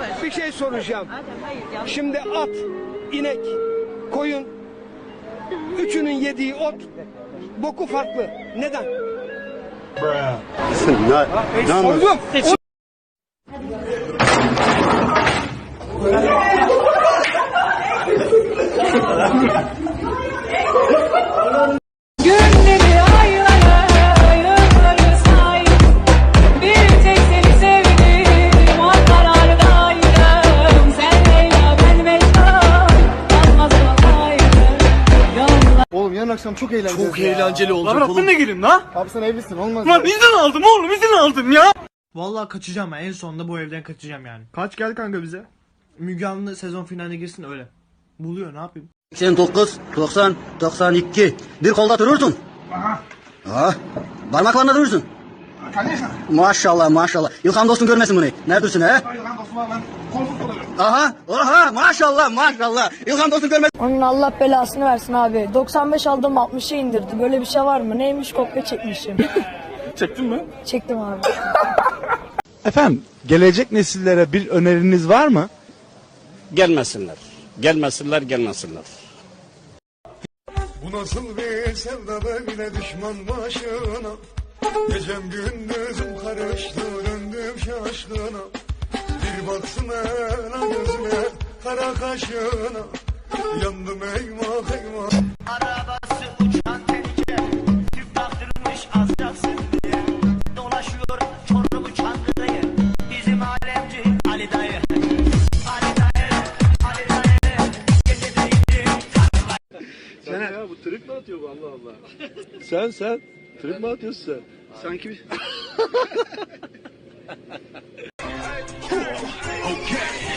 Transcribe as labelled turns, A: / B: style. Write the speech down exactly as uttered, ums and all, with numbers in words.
A: Bir şey soracağım. Şimdi at, inek, koyun, üçünün yediği ot, boku farklı. Neden?
B: Ne
A: Sordum.
C: Günleri aylara yılları say. Bir tek seni sevdim, o karardaydım. Sen Leyla, ben Mecnun, kalmaz o ayrı yollar.
B: Oğlum yarın akşam çok eğlenceli.
D: Çok eğlenceli olacak
E: Lan
D: oğlum.
E: ben de gireyim la.
B: Abi sen evlisin olmaz.
E: Lan izin aldım oğlum, izin aldım ya.
F: Vallahi kaçacağım ben. En sonunda bu evden kaçacağım yani. Kaç gel kanka bize. Müge Anlı sezon finaline girsin öyle. Buluyor, ne yapayım?
G: seksen dokuz, doksan, doksan iki. Bir kolda durursun. Aha. Parmaklarında durursun. Maşallah maşallah. İlhan dostun görmesin bunu. Neredesin he? Aha. Aha maşallah maşallah. İlhan dostun görmesin.
H: Onun Allah belasını versin abi. doksan beş aldım altmışa indirdi. Böyle bir şey var mı? Neymiş, kopya çekmişim.
E: Çektin mi?
H: Çektim abi.
I: Efendim, gelecek nesillere bir öneriniz var mı?
D: Gelmesinler. Gelmesinler, gelmesinler.
B: Bu nasıl bir sevda böyle düşman başına. Gecem gündüzüm karıştı döndüm şaşkına. Bir baksın hele gözüme kara kaşına. Yandım eyvah eyvah.
J: Arabası uçan tehlike, tüp taktırmış azacaksın diye. Dolaşıyor Çorlu Çankırı'yı, bizim alemci Ali dayı. Ali dayı, Ali dayı, gecedeydi.
D: Sen ya bu trip mi atıyor bu Allah Allah? Sen sen trip mi atıyorsun sen? Sanki bir...